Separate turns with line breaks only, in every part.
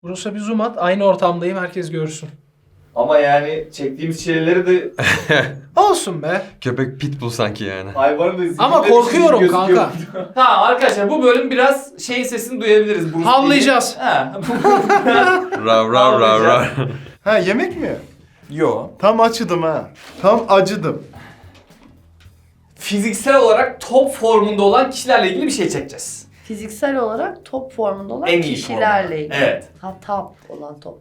Burası bir zoom at. Aynı ortamdayım. Herkes görsün.
Ama yani çektiğimiz şeyleri de
Olsun be.
Köpek pitbull sanki yani.
hayvanın da
Ama korkuyorum
gözüküyor.
kanka.
Tamam arkadaşlar bu bölüm biraz şeyin sesini duyabiliriz. Bruce
Havlayacağız.
Lee'nin. Ha.
Rav rav rav rav.
Ha yemek mi?
Yo.
Tam acıdım ha. Tam acıdım.
Fiziksel olarak top formunda olan kişilerle ilgili bir şey çekeceğiz.
Fiziksel olarak top formunda olan
En iyi
kişilerle
formda.
ilgili.
Evet.
Ha top olan top.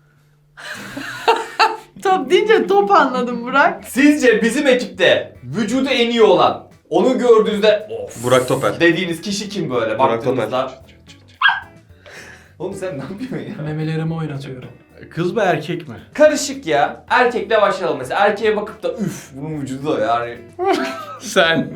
Top deyince top anladım Burak.
Sizce bizim ekipte vücudu en iyi olan, onu gördüğünüzde of
Burak Topel.
dediğiniz kişi kim böyle
Burak
baktığınızda? Oğlum sen ne yapıyorsun ya?
Memelerimi oynatıyorum.
Kız mı erkek mi?
Karışık ya. Erkekle başlayalım mesela. Erkeğe bakıp da üf bunun vücudu da yani.
Sen.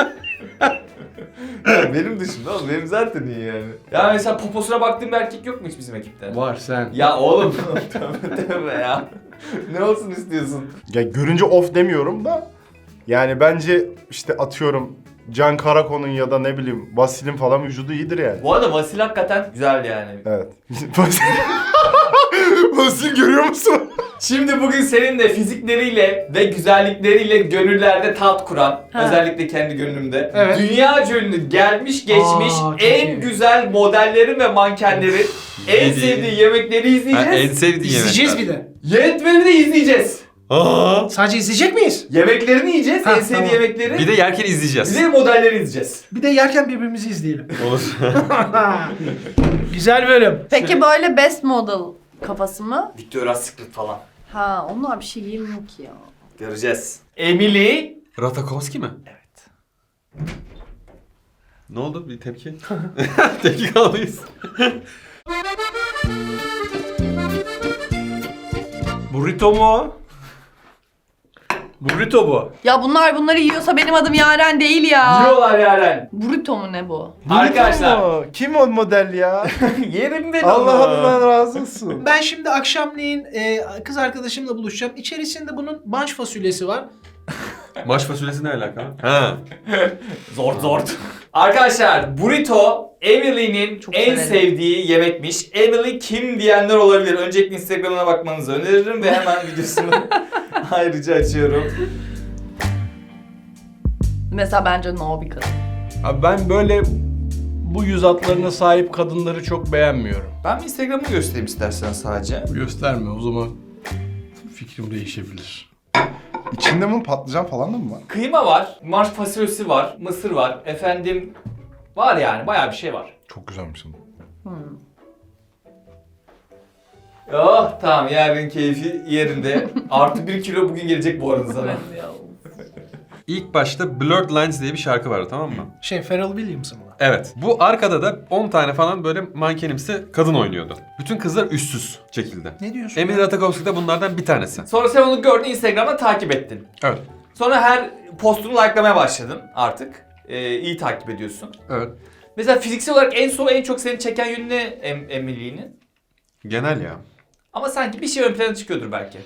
Benim dışımda oğlum benim zaten iyi yani. Ya mesela poposuna baktığım bir erkek yok mu hiç bizim ekipte?
Var sen.
Ya oğlum tövbe tövbe ya. Ne olsun istiyorsun?
Ya görünce of demiyorum da yani bence işte atıyorum Can Karakon'un ya da ne bileyim Vasil'in falan vücudu iyidir yani.
Bu arada Vasil hakikaten güzel yani.
Evet. Vasil görüyor musun?
Şimdi bugün seninle fizikleriyle ve güzellikleriyle gönüllerde taht kuran,
Ha.
özellikle kendi gönlümde,
Evet.
dünya ünlü gelmiş geçmiş
Aa, çok
en
iyi.
güzel modellerin ve mankenlerin en
Yediği-
sevdiği yemekleri
Ha,
izleyeceğiz.
en sevdiğin
İzleyeceğiz
yemekler.
bir de.
Yönetmeni de izleyeceğiz.
Aa.
Sadece izleyecek miyiz?
Yemeklerini yiyeceğiz,
Ha,
en sevdiği
tamam.
yemekleri.
Bir de yerken
Bir
izleyeceğiz.
de modelleri izleyeceğiz.
Bir de yerken birbirimizi izleyelim.
Olur.
Güzel bölüm.
Peki böyle best model kafası mı?
Victoria's Secret falan.
Ha onlar bir şey giymiyor ki ya.
Göreceğiz. Emily.
Ratakovski mi?
Evet.
Ne oldu? Bir tepki. Tepki kalmayız.
Burrito mu o? Burrito bu.
Ya bunları yiyorsa benim adım Yaren değil ya.
Yiyorlar Yaren.
Burrito mu ne bu?
Arkadaşlar.
Kim o model ya?
Yerim ben
Allah
onu.
Allah razı olsun.
Ben şimdi akşamleyin kız arkadaşımla buluşacağım. İçerisinde bunun banş fasulyesi var.
Maş fasulyesi ne alaka? Ha.
Zor. Arkadaşlar burrito Emily'nin
Çok
en
severim.
sevdiği yemekmiş. Emily kim diyenler olabilir. Öncelikle Instagram'ına bakmanızı öneririm ve hemen videosunu ayrıca açıyorum.
Mesela bence no bir kadın.
Abi ben böyle bu yüz hatlarına sahip kadınları çok beğenmiyorum.
Ben bir Instagram'ı göstereyim istersen sadece.
Gösterme o zaman fikrim değişebilir.
İçinde bunun patlıcan falan da mı var?
Kıyma var, marş fasulyesi var, mısır var, efendim var yani bayağı bir şey var.
Çok güzelmiş onun.
Oh tamam yarın keyfi yerinde. Artı 1 kilo bugün gelecek bu arada sana.
İlk başta Blurred Lines diye bir şarkı vardı, tamam mı?
Pharrell Williams'ın mı?
Evet. Bu arkada da 10 tane falan böyle mankenimsi kadın oynuyordu. Bütün kızlar üstsüz şekilde.
Ne diyorsun?
Emir Ratajkowski de bunlardan bir tanesi.
Sonra sen onu gördün Instagram'da takip ettin.
Evet.
Sonra her postunu like'lamaya başladın artık. İyi takip ediyorsun.
Evet.
Mesela fiziksel olarak en çok seni çeken yönü ne Emily'nin?
Genel ya.
Ama sanki bir şey ön plana çıkıyordur belki.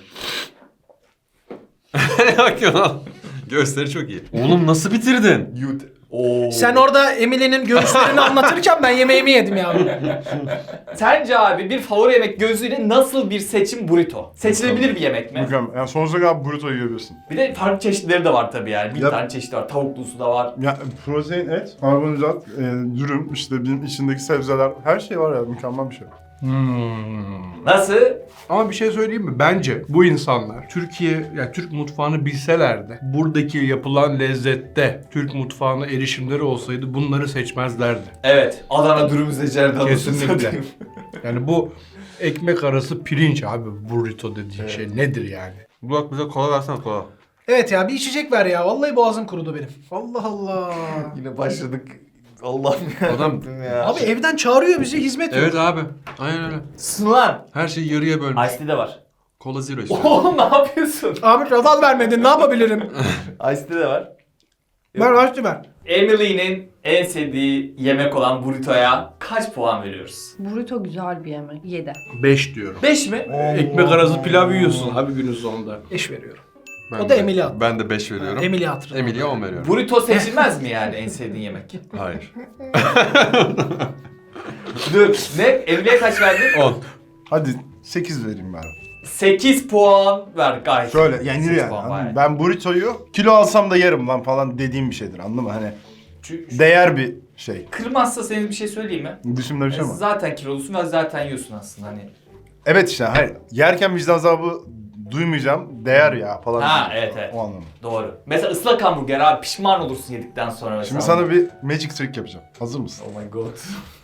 Ne bakıyorsun lan? Gösteri çok iyi. Oğlum nasıl bitirdin?
Oo.
Sen orada Emily'nin göğüslerini anlatırken ben yemeğimi yedim ya.
Sence abi bir favori yemek gözüyle nasıl bir seçim burrito? Seçilebilir bir yemek mi?
Mükemmel. Yani sonsuza kadar burrito yiyebilirsin.
Bir de farklı çeşitleri de var tabii yani. Bir
Yap.
tane çeşidi var. Tavuklusu da var.
Ya protein, et, karbonhidrat, dürüm, işte bizim içindeki sebzeler, her şey var ya, mükemmel bir şey.
Nasıl?
Ama bir şey söyleyeyim mi? Bence bu insanlar yani Türk mutfağını bilselerdi, buradaki yapılan lezzette Türk mutfağına erişimleri olsaydı bunları seçmezlerdi.
Evet. Adana dürüm seçerdi.
Kesinlikle. Yani bu ekmek arası pirinç abi, burrito dediğin şey nedir yani?
Burak bize kola versene, kola.
Evet ya bir içecek ver ya. Vallahi boğazım kurudu benim. Allah Allah.
Yine başladık. Allah'ım ya.
Adam-
ya.
Abi evden çağırıyor bizi hizmet yok.
Evet abi. Aynen öyle.
Sunulan.
Her şeyi yarıya bölmüş.
Ice tea de var.
Kola zero istiyorum.
Oğlum ne yapıyorsun?
Abi radal vermedin ne yapabilirim?
Ice tea de var.
ver açtı ver.
Emily'nin en sevdiği yemek olan burrito'ya kaç puan veriyoruz?
Burrito güzel bir yemek. 7.
5 diyorum.
5 mi?
Ekmek arası pilav yiyorsun abi günün sonunda.
Eş veriyorum.
Ben
O da
de-
Emily attı.
Ben de 5 veriyorum.
Emily'e hatırladım.
Emily'e 10 veriyorum.
Burrito seçilmez mi yani en sevdiğin yemek?
Hayır.
Dur. Ne? Emily'e kaç verdin?
10.
Hadi 8 vereyim ben.
8 puan ver gayet.
Şöyle
Sekiz
yenir yani.
puan
anladın mı?
bayağı.
Ben burritoyu kilo alsam da yerim lan falan dediğim bir şeydir, anladın mı? Hani değer bir şey.
Kırmazsa senin bir şey söyleyeyim mi?
Dışımda bir şey var.
Zaten kilolusun ve zaten yiyorsun aslında hani.
Evet işte hayır. Yerken vicdan azabı duymayacağım. Değer ya falan.
Ha, evet, evet.
O anlamda.
Doğru. Mesela ıslak hamburger abi pişman olursun yedikten sonra mesela.
Şimdi sana bir magic trick yapacağım. Hazır mısın?
Oh my god.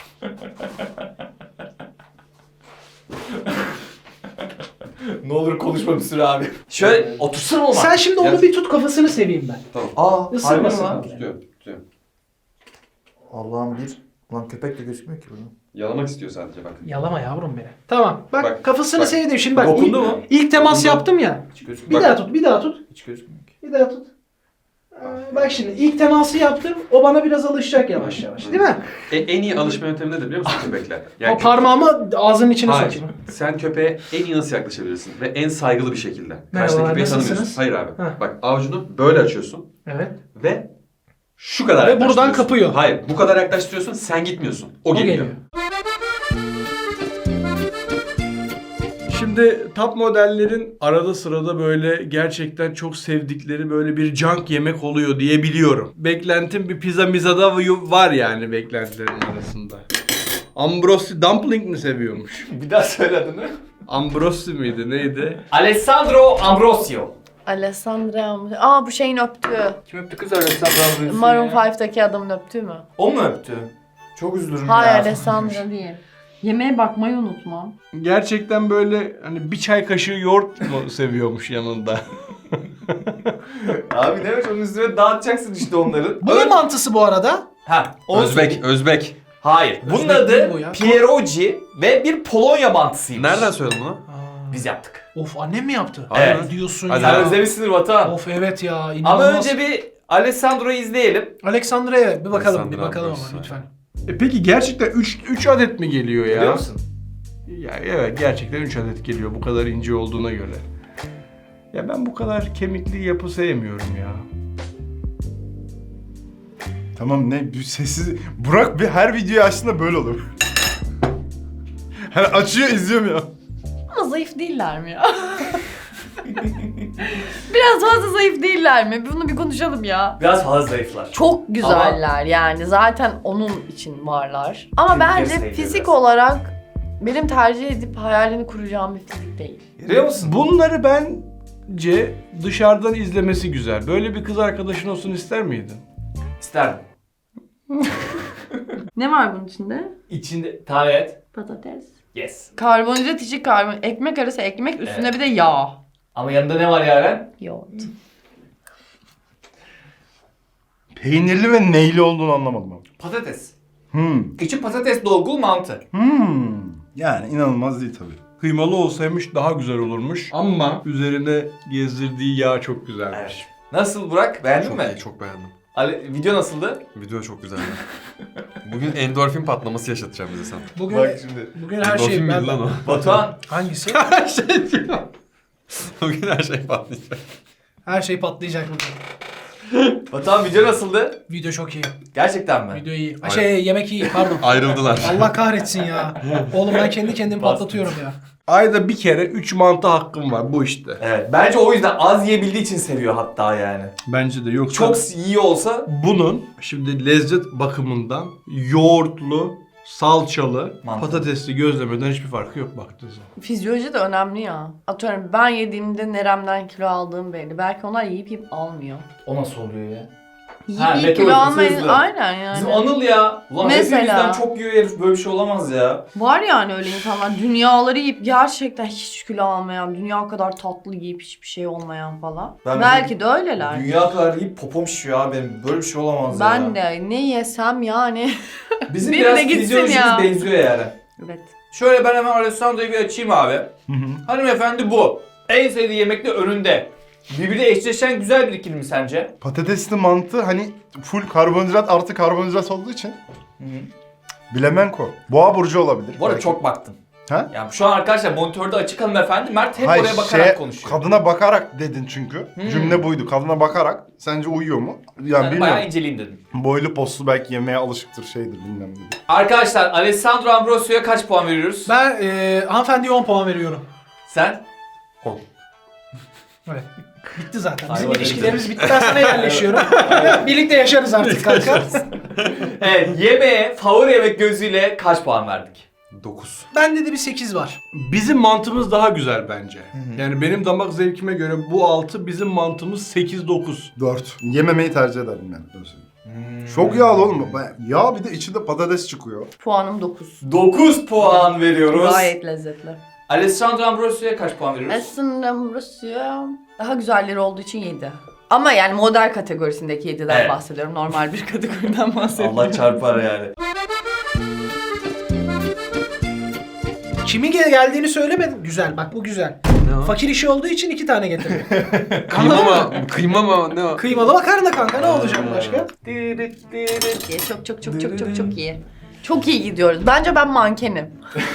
Ne olur konuşma bir süre abi. Şöyle otursana olma.
Sen şimdi onu bir tut, kafasını seveyim ben.
Aa,
Isırmasın
harbi mi lan?
abi.
Tutuyorum, tutuyorum.
Allah'ım bir. Ulan köpek de gözükmüyor ki burada.
Yalamak istiyor sadece bak.
Yalama yavrum beni. Tamam. Bak,
Bak,
kafasını
bak.
sevdim. Şimdi bak.
Dokundu
ilk,
mu?
ilk temas
Dokundu.
yaptım ya.
Hiç
Bir
gözükmüyor.
daha tut, bir daha tut.
Hiç gözükmüyor ki.
Bir daha tut. Bak şimdi ilk teması yaptım. O bana biraz alışacak yavaş yavaş. Değil mi?
En iyi alışma yöntemi nedir biliyor musun köpekler?
O parmağımı ağzının içine
Hayır.
sokayım.
Sen köpeğe en iyi nasıl yaklaşabilirsin? Ve en saygılı bir şekilde.
Merhabalar,
Karşıdaki köpeği
nasılsınız?
tanımıyorsun. Hayır abi.
Heh.
Bak avucunu böyle açıyorsun
Evet.
ve şu kadar
Ve buradan
yaklaştırıyorsun.
kapıyor.
Hayır, bu kadar yaklaştırıyorsun, sen gitmiyorsun. O geliyor.
Şimdi top modellerin arada sırada böyle gerçekten çok sevdikleri böyle bir junk yemek oluyor diye biliyorum. Beklentim bir pizza mizada var yani beklentilerin arasında. Ambrosi dumpling mi seviyormuş?
Bir daha söyle adını.
Ambrosi miydi neydi?
Alessandro Ambrosio.
Alessandra... Aa bu şeyin öptüğü.
Kim öptü kız Alessandro Ambrosio?
Maroon 5'teki adamın öptüğü mü?
O mu öptü? Çok üzülürüm
Hayır
ya.
Alessandra değil. Yemeğe bakmayı unutma.
Gerçekten böyle hani bir çay kaşığı yoğurt mu seviyormuş yanında?
Abi demek onun üstüne dağıtacaksın işte onların.
Bu ne mantısı bu arada?
Ha, onu söyleyeyim.
Özbek.
Hayır. Bunun
Özbek değil
adı
bu ya.
pierogi ve bir Polonya mantısıymış.
Nereden söyledin bunu?
Biz yaptık.
Of, annem mi yaptı?
Evet.
Ne diyorsun
Hadi
ya?
Sen özlemişsindir Vatan.
Of evet ya,
Ama
inanılmaz.
önce bir Alessandro'yu izleyelim.
Alexandra'ya bir bakalım,
Alexandra
bir bakalım
Ambrosio.
ama lütfen.
Peki gerçekten 3 adet mi geliyor ya?
Biliyor musun?
Ya evet gerçekten 3 adet geliyor bu kadar ince olduğuna göre. Ya ben bu kadar kemikli yapı sevmiyorum ya.
Tamam ne bir sessiz... Burak bir her videoyu açtığında böyle olur. Hani açıyor izliyorum ya.
Ama zayıf değiller mi ya? Biraz fazla zayıf değiller mi? Bunu bir konuşalım ya.
Biraz fazla zayıflar.
Çok güzeller yani zaten onun için varlar. Ama
Çünkü
bence
sayılıyor
fizik
biraz.
olarak benim tercih edip hayalini kuracağım bir fizik değil.
Görüyor musun?
Bunları bence dışarıdan izlemesi güzel. Böyle bir kız arkadaşın olsun ister miydin?
İsterdim.
Ne var bunun içinde?
İçinde tahmin et.
Patates.
Yes.
Karbonhidrat içi ekmek arası ekmek üstüne
Evet.
bir de yağ.
Ama yanında ne var Yaren?
Yoğurt.
Peynirli ve neyli olduğunu anlamadım ama.
Patates.
Hmm.
İçi patates dolgulu mantı.
Yani inanılmaz değil tabii.
Kıymalı olsaymış daha güzel olurmuş. Ama üzerine gezdirdiği yağ çok güzelmiş.
Evet. Nasıl Burak? Beğendin
Çok
mi?
iyi, çok beğendim.
Video nasıldı?
Video çok güzeldi. Bugün endorfin patlaması yaşatacağım bize sen.
Bugün,
şimdi.
bugün her
Endorfin
şey
miydi
ben...
lan o?
Batuhan.
Hangisi?
Her şey diyor. Bugün her şey patlayacak.
Her şey patlayacak bugün.
Batuhan video nasıldı?
Video çok iyi.
Gerçekten mi?
Video iyi.
Aynen.
Yemek iyi, pardon.
Ayrıldılar.
Allah kahretsin ya. Oğlum ben kendi kendimi patlatıyorum ya.
Ayda bir kere 3 mantı hakkım var bu işte.
Evet. Bence o yüzden az yiyebildiği için seviyor hatta yani.
Bence de yoksa
Çok iyi olsa
bunun şimdi lezzet bakımından yoğurtlu, salçalı,
Mantı.
patatesli gözlemeden hiçbir farkı yok baktığınız zaman.
Fizyoloji de önemli ya. Atıyorum ben yediğimde neremden kilo aldığım belli. Belki onlar yiyip almıyor.
o nasıl oluyor ya?
Yiyip
Ha,
kilo
metabolizması
almayın.
hızlı.
Aynen yani.
Bizim Anıl ya. Ulan
Mesela.
hepimizden çok yiyor herif, böyle bir şey olamaz ya.
Var yani öyle insanlar. Dünyaları yiyip gerçekten hiç kilo almayan, dünya kadar tatlı yiyip hiçbir şey olmayan falan.
Ben
Belki de öyleler.
Dünya kadar yiyip popom şişiyor abi benim. Böyle bir şey olamaz ya.
Ben de ne yesem yani.
Bizim
Biri
biraz
de gitsin
fizyolojimiz
ya.
benziyor yani.
Evet.
Şöyle ben hemen Alessandro'yu bir açayım abi. Hanımefendi bu. En sevdiği yemek de önünde. Birbiriyle eşleşen güzel bir ikili mi sence?
Patatesli mantı hani full karbonhidrat artı karbonhidrat olduğu için bilemenko. Boğa burcu olabilir.
Bu arada
belki.
çok baktın.
Ha?
Yani şu an arkadaşlar monitörde açık hanımefendi. Mert hep
Hayır,
oraya bakarak konuşuyor.
Kadına bakarak dedin çünkü. Cümle buydu. Kadına bakarak. Sence uyuyor mu? Yani
Yani
bilmiyorum.
bayağı inceleyeyim dedim.
Boylu postlu belki yemeğe alışıktır şeydir bilmem ne.
Arkadaşlar Alessandro Ambrosio'ya kaç puan veriyoruz?
Ben hanımefendiye 10 puan veriyorum.
Sen?
Evet. Bitti zaten.
Ay,
Bizim
öyle
ilişkilerimiz bitti. Ben sana yerleşiyorum. Birlikte yaşarız artık kanka.
Evet, yemeğe favori yemek gözüyle kaç puan verdik?
9.
Bende de bir 8 var.
Bizim mantımız daha güzel bence. Yani benim damak zevkime göre bu 6, bizim mantımız 8-9.
4. Yememeyi tercih ederim yani. Öyle söyleyeyim. Çok yağlı oğlum. Yağ bir de içinde patates çıkıyor.
Puanım 9.
9 puan veriyoruz.
Gayet lezzetli.
Alessandro Ambrosio'ya kaç puan veriyoruz?
Aslında burası daha güzelleri olduğu için 7. Ama yani model kategorisindeki 7'den
Evet.
bahsediyorum. Normal bir kategoriden bahsediyorum.
Allah çarpar yani.
Kimin geldiğini söylemedim. Güzel bak bu güzel.
Ne o?
Fakir işi olduğu için 2 tane getirdim.
Kıyma mı? Ne o?
Kıymalı makarna kanka ne olacak başka?
Çok iyi. Çok iyi gidiyoruz. Bence ben mankenim.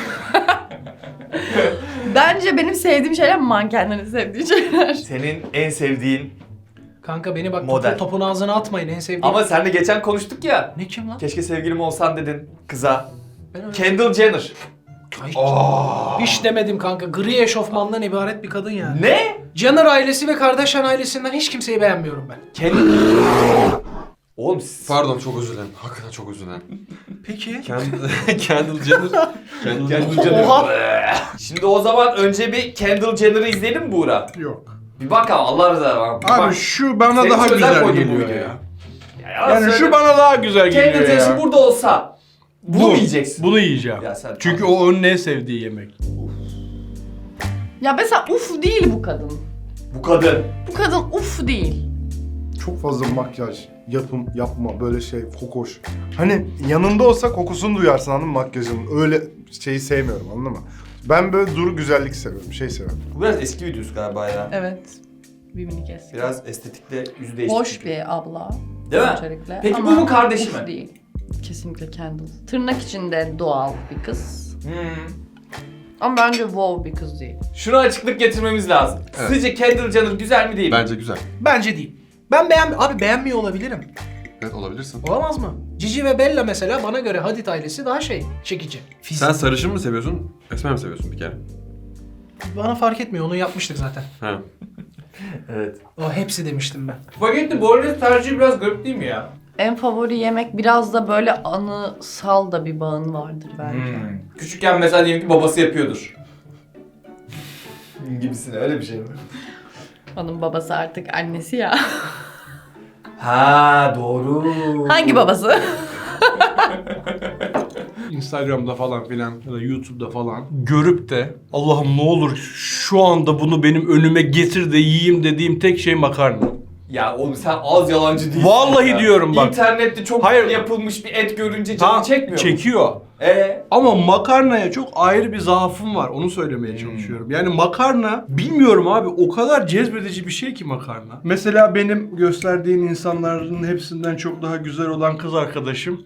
Bence benim sevdiğim şeyler mankenlerin sevdiği şeyler.
Senin en sevdiğin
Kanka beni bak
Model.
topun ağzına atmayın en sevdiğim.
ama senle geçen konuştuk ya.
Ne kim lan?
Keşke sevgilim olsan dedin kıza.
Ben öyle...
Kendall Jenner.
Ay, hiç demedim kanka. Gri eşofmandan ibaret bir kadın yani.
Ne?
Jenner ailesi ve Kardashian ailesinden hiç kimseyi beğenmiyorum ben.
Oğlum
Pardon çok özür dilerim. Hakikaten çok özür dilerim.
Peki.
Kendall Jenner.
Kendall Jenner.
Oha.
Şimdi o zaman önce bir Kendall Jenner'ı izleyelim mi Buğra?
Yok.
Bir bak ama Allah rızası var. Bir
Abi
bak.
şu bana
Senin
daha
için özel
güzel
koydum bu
geliyor
videoyu.
ya.
Ya
Yani
söyle.
şu bana daha güzel
Kendall
geliyor
Jenner
ya.
burada olsa bunu mu yiyeceksin?
Bunu yiyeceğim.
Ya sen
Çünkü o onun en sevdiği yemek.
Ya mesela uf değil bu kadın.
bu kadın.
Bu kadın uf değil.
Çok fazla makyaj, yapma böyle şey kokoş. Hani yanında olsa kokusunu duyarsın anladın mı makyajın. Öyle şeyi sevmiyorum anladın mı? Ben böyle duru güzellik seviyorum, şey seviyorum.
Bu biraz eski videosu galiba ya.
Evet. Bir minik eski.
Biraz estetikle yüzde değişti.
Hoş
çünkü.
bir abla.
Değil mi?
Öncelikle.
Peki
Ama
bu mu kardeşi
uf
mi?
değil. Kesinlikle Kendall. Tırnak içinde doğal bir kız. Ama bence wow bir kız değil.
Şuna açıklık getirmemiz lazım.
Evet.
Sizce Kendall Jenner güzel mi değil mi?
Bence güzel.
Bence değil. Ben abi beğenmiyor olabilirim.
Evet olabilirsin.
Olamaz mı? Cici ve Bella mesela bana göre Hadid ailesi daha çekici.
Sen sarışın mı seviyorsun? Esmer mi seviyorsun bir kere?
Bana fark etmiyor onu yapmıştık zaten.
Ha.
Evet.
O hepsi demiştim ben.
Spagetti bolognese tercihi biraz garip değil mi ya?
En favori yemek biraz da böyle anısal da bir bağın vardır bence.
Küçükken mesela diyelim ki babası yapıyordur. Gibisine öyle bir şey mi?
Onun babası artık annesi ya.
Ha doğru.
Hangi babası?
Instagram'da falan filan ya da YouTube'da falan görüp de Allah'ım ne olur şu anda bunu benim önüme getir de yiyeyim dediğim tek şey makarna.
Ya oğlum sen az yalancı değilsin.
Vallahi
ya.
diyorum bak.
İnternette çok
Hayır.
güzel yapılmış bir et görünce canı
Tamam,
çekmiyor mu?
çekiyor. Ama makarnaya çok ayrı bir zaafım var. Onu söylemeye çalışıyorum. Yani makarna bilmiyorum abi o kadar cezbedici bir şey ki makarna. Mesela benim gösterdiğin insanların hepsinden çok daha güzel olan kız arkadaşım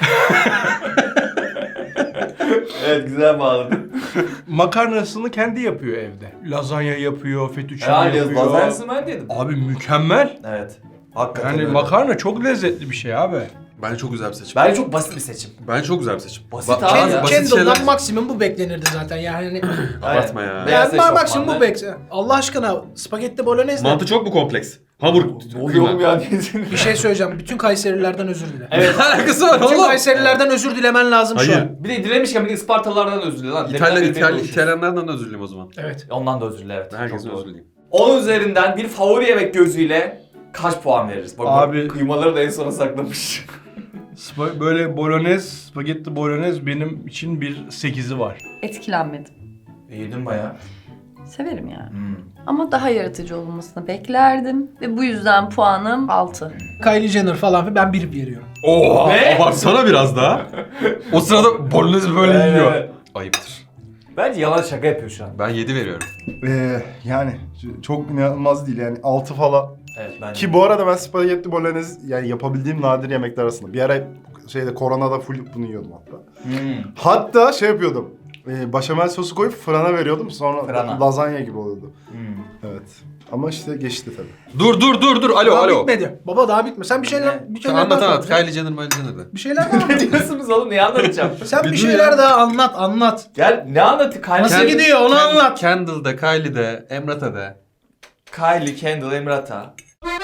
Evet güzel bağladın.
makarnasını kendi yapıyor evde. Lazanya yapıyor, fettuccine
Herhalde
yapıyor.
lazanyasını ben dedim.
Abi mükemmel.
Evet. Hakikaten
Yani
öyle.
makarna çok lezzetli bir şey abi.
Bence çok güzel bir seçim.
Bence çok basit bir seçim.
Bence çok güzel bir seçim.
Basit
Ba-
abi
bazı
ya.
basit
Kendall'dan
şeyler-
maksimum bu beklenirdi zaten yani.
Abartma ya.
Aynen. Beyaz
Yani maksimum
eşofmanlı.
bu beklenirdi. Allah aşkına spagetti bolognese.
Mantı çok mu kompleks? Hamur
Ne oluyor oğlum ya diyorsun.
Bir şey söyleyeceğim. Bütün Kayserilerden özür dile.
Evet.
Ne alakası var
Bütün
oğlum?
Kayserilerden özür dilemen lazım şu
Hayır.
an.
Bir de dilemişken bir de Ispartalılardan özür dile lan. Deminden beri konuşuyoruz.
İtalyanlardan da özür dileyim o zaman.
Evet.
Ondan da özür dile evet.
Herkesten
Çok doğru.
özür dileyim.
10 üzerinden bir favori yemek gözüyle kaç puan veririz? Bak,
Abi-
kıymaları da en sona saklamış.
Böyle bolognese, spagetti bolognese benim için bir 8'i var.
Etkilenmedim.
Yedin baya.
Severim yani. Ama daha yaratıcı olmasını beklerdim. Ve bu yüzden puanım 6.
Kylie Jenner falan ben 1 veriyorum.
Oha!
Ne?
Abartsana biraz daha. O sırada bolognese böyle yiyor. Ayıptır.
Bence yalan şaka yapıyor şu an.
Ben 7 veriyorum.
Yani çok inanılmaz değil yani 6 falan.
Evet bence.
Ki bu arada ben spagetti bolognese yani yapabildiğim nadir yemekler arasında. Bir ara koronada full bunu yiyordum hatta. Hatta şey yapıyordum. Başamel sosu koyup fırına veriyordum. Sonra
Fırına.
lazanya gibi oluyordu.
Hmm.
Evet. Ama işte geçti tabii.
Dur. Alo
Daha
alo.
bitmedi. Baba daha bitmedi. Sen bir şeyler
Anlat
daha
anlat.
konuş.
Kylie Jenner, Miley Jenner de.
Bir şeyler daha
Ne diyorsunuz oğlum? Neyi anlatacağım?
Sen bir
dur
şeyler
ya.
daha anlat.
Gel ne anlatı?
Nasıl
Kylie,
gidiyor onu anlat.
Kendall'da, Kylie'de, Emrat'a
Kylie, Kendall, Emrata.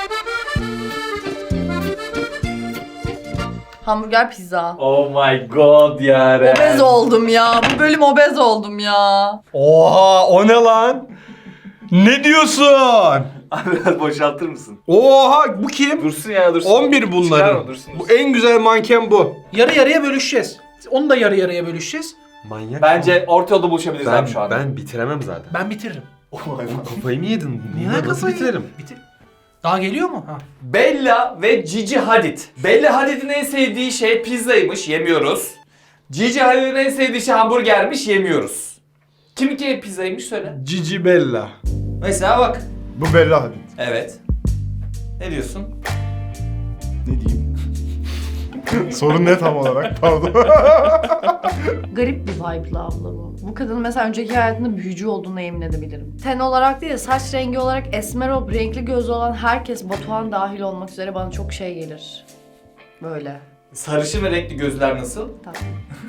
Hamburger pizza.
Oh my god ya.
Obez oldum ya. Bu bölüm obez oldum ya.
Oha o ne lan? Ne diyorsun?
Abi biraz boşaltır mısın?
Oha bu kim?
Dursun ya dursun.
11 bunların.
Çıkarma, dursun.
Bu en güzel manken bu.
Yarı yarıya bölüşeceğiz. Onu da yarı yarıya bölüşeceğiz.
Manyak.
Bence orta yolda buluşabiliriz
ben,
abi şu anda.
ben bitiremem zaten.
Ben bitiririm.
Oh my god.
Kafayı mı yedin?
Niye
Nasıl
kafayı-
bitirelim?
Daha geliyor mu? Ha.
Bella ve Gigi Hadid. Bella Hadid'in en sevdiği şey pizzaymış, yemiyoruz. Gigi Hadid'in en sevdiği şey hamburgermiş, yemiyoruz. Kiminki pizzaymış söyle.
Cici Bella.
Mesela bak.
Bu Bella Hadid.
Evet. Ne diyorsun?
Ne diyeyim? Sorun ne tam olarak? Pardon.
Garip bir vibe'lı abla bu. Bu kadının mesela önceki hayatında büyücü olduğuna yemin edebilirim. Ten olarak değil de saç rengi olarak esmer olup renkli gözlü olan herkes, Batuhan dahil olmak üzere, bana çok şey gelir. Böyle.
Sarışın ve renkli gözler nasıl?
Tatlı.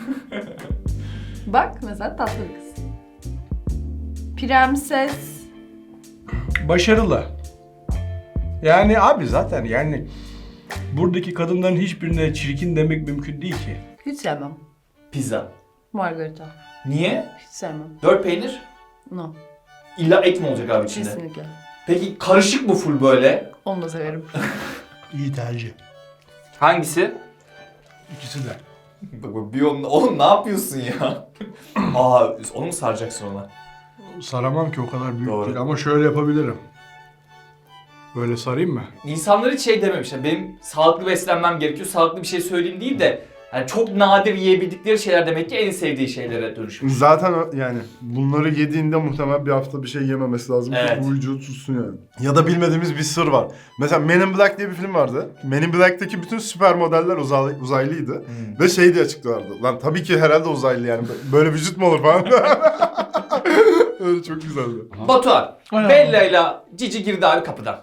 Bak mesela tatlı bir kız. Prenses.
Başarılı. Yani abi zaten yani buradaki kadınların hiçbirine çirkin demek mümkün değil ki.
Hiç sevmem.
Pizza.
Margarita.
Niye?
Hiç sevmem.
4 peynir.
No.
İlla et mi olacak abi içinde?
Kesinlikle.
Peki karışık mı full böyle?
Onu da severim.
İyi tercih.
Hangisi?
İkisi de.
Bak bir oğlum ne yapıyorsun ya? Aa onu mu saracaksın ona?
Saramam ki o kadar büyük
Doğru.
değil ama şöyle yapabilirim. Böyle sarayım mı?
İnsanlar hiç şey dememişler. Benim sağlıklı beslenmem gerekiyor. Sağlıklı bir şey söyleyeyim değil de yani çok nadir yiyebildikleri şeyler demek ki en sevdiği şeylere dönüşmüş.
Zaten yani bunları yediğinde muhtemelen bir hafta bir şey yememesi lazım
Evet.
ki bu vücudu tutsun yani. Ya da bilmediğimiz bir sır var. Mesela Men in Black diye bir film vardı. Men in Black'teki bütün süper modeller uzaylıydı. Ve şey diye açıklardı. Lan tabii ki herhalde uzaylı yani. Böyle vücut mu olur falan. Öyle çok güzeldi.
Batuhan,
Aynen.
Bella ile Cici girdi abi kapıdan.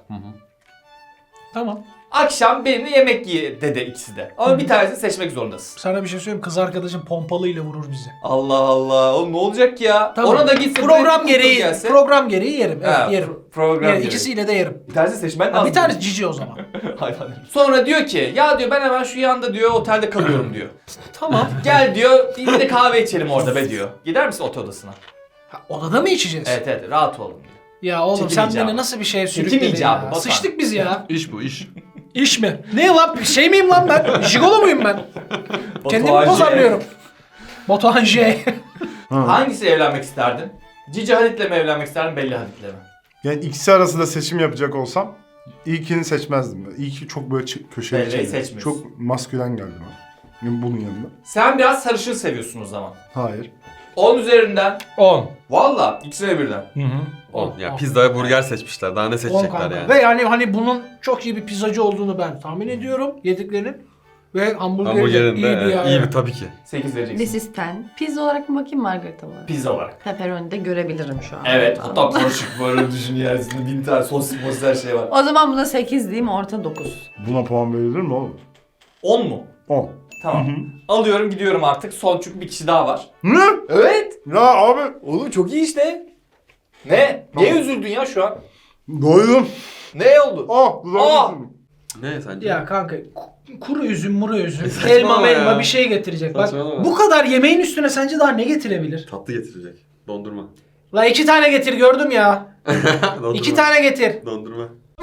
Tamam.
Akşam benimle yemek ye dedi ikisi de. Ama bir tanesini seçmek zorundasın.
Sana bir şey söyleyeyim. Kız arkadaşım pompalıyla vurur bizi.
Allah Allah. Oğlum ne olacak ya?
Tamam.
Ona da gitsin.
Program
kız
gereği,
gelse.
program gereği yerim. Evet,
Ha,
yerim.
Program
Yani
gereği.
ikisiyle de yerim.
Bir tanesi seçmen
Ha,
lazım.
bir tanesi cici o zaman.
Hayvan. Sonra diyor ki ya diyor ben hemen şu yanda diyor otelde kalıyorum diyor.
Tamam.
Gel diyor bir de kahve içelim orada be diyor. Gider misin otel odasına?
Ha, odada mı içeceğiz?
Evet evet rahat olun diyor.
Ya oğlum sen
Çekemeyeceğim.
beni nasıl bir şeye sürükledin
Çekemeyeceğim
ya?
abi, Batuhan.
Sıçtık biz ya.
İş bu iş.
İş mi? Ne lan? Şey miyim lan ben? Jigolo muyum ben? Kendimi
Batuhan J.
pazarlıyorum. Batuhan J.
Hangisiyle evlenmek isterdin? Cici Hadid'le mi evlenmek isterdin Bella Hadid'le mi?
Yani ikisi arasında seçim yapacak olsam ilkini seçmezdim. İlki çok böyle köşeli
Belle'yi
şeydi.
seçmiyorsun.
Çok maskülen geldi bana. Yani bunun yanında.
Sen biraz sarışın seviyorsun o zaman.
Hayır.
10 üzerinden.
10.
Valla ikisine birden.
Hı hı.
10. Ya pizza ve burger seçmişler. Daha ne
10
seçecekler
kanka.
yani?
Ve yani hani bunun çok iyi bir pizzacı olduğunu ben tahmin ediyorum. Yediklerinin. Ve hamburgeri de iyi bir yani.
iyi bir tabii ki.
8 vereceksin.
This is 10. Pizza olarak mı bakayım, margarita olarak?
Pizza olarak.
Pepperoni de görebilirim şu an.
Evet hatta karışık böyle düşün yerisinde 1000 tane sos her şey var.
O zaman buna 8 diyeyim, orta 9.
Buna puan verilir mi oğlum?
10 mu?
10.
Tamam. Alıyorum gidiyorum artık. Son çünkü bir kişi daha var.
Ne?
Evet.
Ya abi.
Oğlum çok iyi işte. Ne? Niye üzüldün ya şu an?
Doydum.
Ne oldu?
Ah. Dudağım.
Ne sence?
Ya kanka kuru üzüm, muru üzüm,
Saçmalama
elma
ya.
melma bir şey getirecek. Bak
Saçmalama.
bu kadar yemeğin üstüne sence daha ne getirebilir?
Tatlı getirecek. Dondurma.
La 2 tane getir gördüm ya.
Dondurma.
2 tane getir.
Dondurma.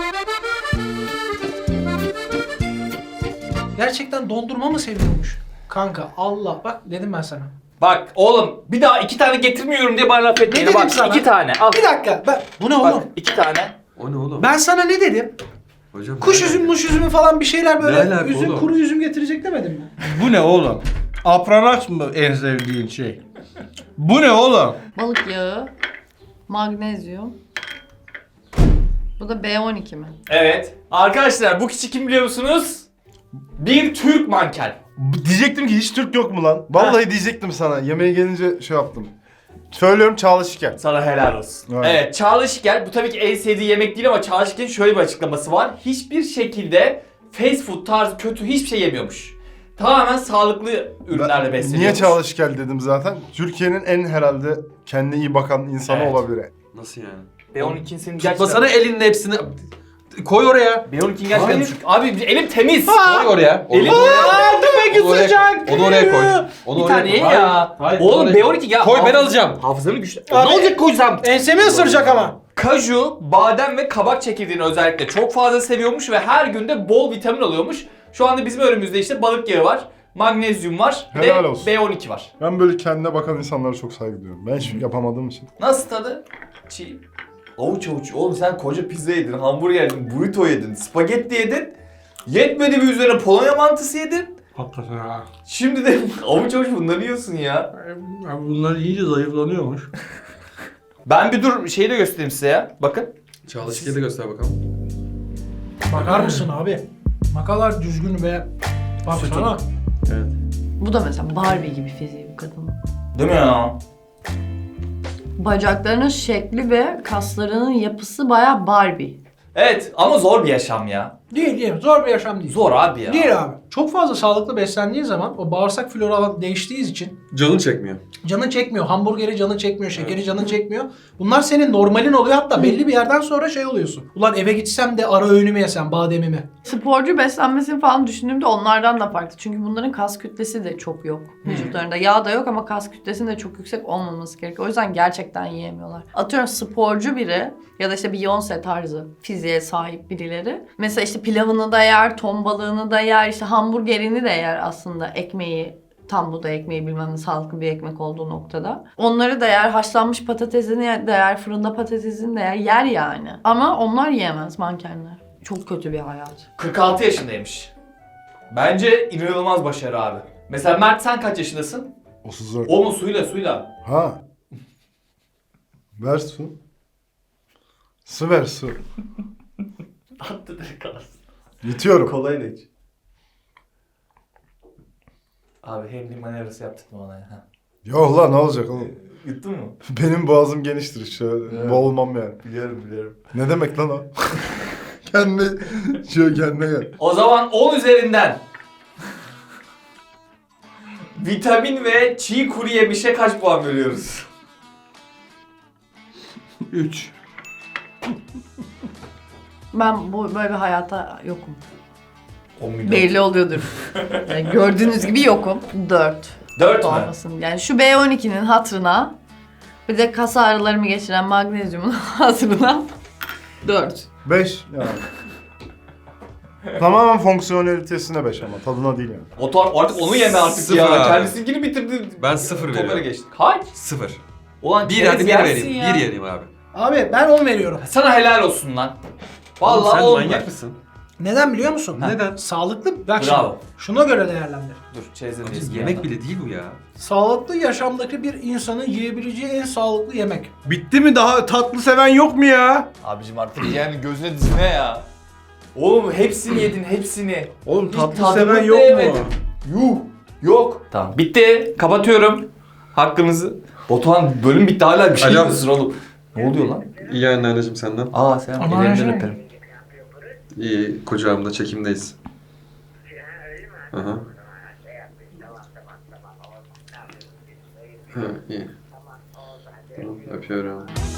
Gerçekten dondurma mı seviyormuş? Kanka Allah bak dedim ben sana.
Bak oğlum bir daha 2 tane getirmiyorum diye bana laf etmeyin.
dedim
Bak
sana?
2 tane al.
Bir dakika bu ne
Bak
oğlum?
2 tane.
O ne oğlum?
Ben sana ne dedim?
Hocam,
Kuş
ne
üzüm,
alaka?
muş üzümü falan bir şeyler
Ne
böyle
alaka
üzüm,
oğlum?
kuru üzüm getirecek demedim mi?
Bu ne oğlum? Apranax mı en sevdiğin şey? Bu ne oğlum?
Balık yağı, magnezyum. Bu da B12 mi?
Evet. Arkadaşlar bu kişi kim biliyor musunuz? Bir Türk manken.
Diyecektim ki hiç Türk yok mu lan? Vallahi diyecektim sana. Yemeğe gelince şey yaptım. Söylüyorum Çağla Şikel.
Sana helal olsun.
Evet.
Evet, Çağla Şikel bu tabii ki en sevdiği yemek değil ama Çağla Şikel'in şöyle bir açıklaması var. Hiçbir şekilde fast food tarzı kötü hiçbir şey yemiyormuş. Tamamen sağlıklı ürünlerle besleniyormuş.
Niye Çağla Şikel dedim zaten? Türkiye'nin en herhalde kendine iyi bakan insanı
Evet.
olabilir.
Nasıl yani?
B12'nin senin gerçekten...
Tutmasana elinin hepsini. Koy oraya.
B12'nin gerçekten
Hayır.
düşük. Abi elim temiz.
Koy oraya.
Elim...
Onu oraya, onu oraya koy. Onu
Bir
oraya
tane ye
koy.
ya.
Hayır,
Oğlum
oraya-
B12 ya.
Koy ben alacağım.
Hafızamı güçlü.
Abi-
Ne olacak koysam?
Ensemi ısıracak ama.
Kaju, badem ve kabak çekirdeğini özellikle çok fazla seviyormuş ve her günde bol vitamin alıyormuş. Şu anda bizim önümüzde işte balık yağı var, magnezyum var, bir
Helal
de
olsun.
B12 var.
Ben böyle kendine bakan insanlara çok saygı duyuyorum. Ben hiç yapamadığım için.
Nasıl tadı? Çiğ. Avuç avuç. Oğlum sen koca pizza yedin, hamburger yedin, burrito yedin, spagetti yedin. Yetmedi bir üzerine Polonya mantısı yedin.
Hakikaten ha.
Şimdi de avuç avuç bunları yiyorsun ya.
Abi bunlar iyice zayıflanıyormuş.
Ben bir dur şeyi de göstereyim size ya. Bakın.
Çağla Şikel'i de göster bakalım.
Bakar mısın abi? Ne kadar düzgün ve baksana.
Evet.
Bu da mesela Barbie gibi fiziği bu kadının.
Değil mi ya?
Bacaklarının şekli ve kaslarının yapısı bayağı Barbie.
Evet ama zor bir yaşam ya.
Değil. Zor bir yaşam değil.
Zor abi ya.
Değil abi. Çok fazla sağlıklı beslendiği zaman o bağırsak flora değiştiği için
Canın çekmiyor.
canın çekmiyor. Hamburgeri canın çekmiyor. Şekeri canın çekmiyor. Bunlar senin normalin oluyor. Hatta belli bir yerden sonra şey oluyorsun. Ulan eve gitsem de ara öğünümü yesem bademimi.
Sporcu beslenmesini falan düşündüğümde onlardan da farklı. Çünkü bunların kas kütlesi de çok yok vücutlarında. Yağ da yok ama kas kütlesinin de çok yüksek olmaması gerekiyor. O yüzden gerçekten yiyemiyorlar. Atıyorum sporcu biri ya da işte Beyoncé tarzı fiziğe sahip birileri. Mesela işte pilavını da yer, ton balığını da yer, işte hamburgerini de yer aslında ekmeği. Tam buğday ekmeği bilmem ne sağlıklı bir ekmek olduğu noktada. Onları da yer, haşlanmış patatesini de yer, fırında patatesini de yer yani. Ama onlar yiyemez mankenler. Çok kötü bir hayat.
46 yaşındaymış. Bence inanılmaz başarı abi. Mesela Mert sen kaç yaşındasın?
34.
Oğlum suyla.
Ha. Ver su. Su ver su.
Attı direkt kalsın.
Yutuyorum.
Kolay da iç. Abi hem liman arası yaptırtma bana ya. Ha.
Yok lan ne olacak oğlum?
Yuttun mu?
Benim boğazım geniştir şöyle.
Evet.
Boğulmam yani.
Biliyorum.
Ne demek lan o? Kendine gel.
O zaman 10 üzerinden vitamin ve çiğ kuru yemişe kaç puan veriyoruz?
3.
Ben böyle bir hayata yokum.
10 milyon.
Belli oluyordur. Yani gördüğünüz gibi yokum. 4.
4 mü?
Olmasın. Yani şu B12'nin hatırına bir de kas ağrılarımı geçiren magnezyumun hatırına 4.
5 yani. Tamamen fonksiyonelitesine 5 ama tadına değil yani.
Artık onu yeme artık
Sıfır
ya.
abi.
Kendisinkini bitirdi.
Ben 0
Toplara
veriyorum.
geçtik. Kaç?
0.
Ulan
1
çerez
hadi 1
yersin
vereyim.
ya.
1 vereyim abi.
Abi ben 10 veriyorum.
Sana helal olsun lan.
Oğlum
Vallahi
sen
olmadı.
manyak mısın?
Neden biliyor musun?
Neden?
Sağlıklı. Bak
Bravo.
şimdi. Şuna göre değerlendir.
Dur çerezden
Yemek bile değil bu ya.
Sağlıklı yaşamdaki bir insanın yiyebileceği en sağlıklı yemek.
Bitti mi? Daha tatlı seven yok mu ya?
Abicim artık yani gözüne dizine ya. Oğlum hepsini yedin hepsini.
Oğlum
Hiç
tatlı
tadını
seven
da
yok
yemedim.
mu?
Yuh. Yok. Tamam. Bitti. Kapatıyorum. Hakkınızı. Batuhan bölüm bitti hala bir şey
Hocam.
diyorsun oğlum. Ne oluyor lan?
İyi anneanneciğim senden.
Aa sen
Aman
ellerinden
canım.
öperim.
İyi kucağımda çekimdeyiz. Aha. Ha, iyi. Tamam, öpüyorum.